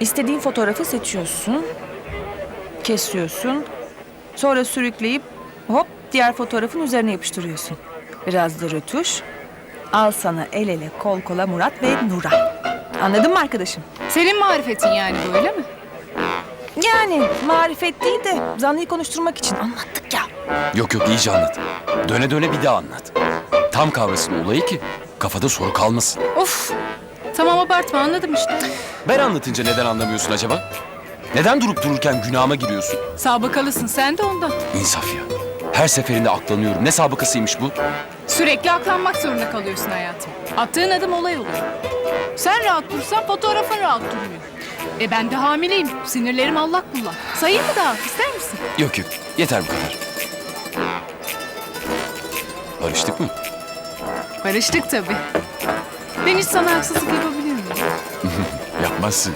İstediğin fotoğrafı seçiyorsun, kesiyorsun, sonra sürükleyip hop diğer fotoğrafın üzerine yapıştırıyorsun. Biraz da rötuş. Al sana el ele kol kola Murat ve Nuray. Anladın mı arkadaşım? Senin marifetin yani bu, öyle mi? Yani marifet değil de zanlıyı konuşturmak için anlattık ya. Yok yok, iyice anlat. Döne döne bir daha anlat. Tam kavrasın olayı ki kafada soru kalmasın. Of! Tamam, abartma, anladım işte. Ben anlatınca neden anlamıyorsun acaba? Neden durup dururken günahıma giriyorsun? Sabıkalısın sen de ondan. İnsaf ya. Her seferinde aklanıyorum. Ne sabıkasıymış bu? Sürekli aklanmak zorunda kalıyorsun hayatım. Attığın adım olay oluyor. Sen rahat dursan fotoğrafın rahat durmuyor. Ben de hamileyim. Sinirlerim allak bullak. Sayayım mı daha? İster misin? Yok yok. Yeter bu kadar. Barıştık mı? Barıştık tabii. Ben hiç sana haksızlık yapabilir miyim? Yapmazsın.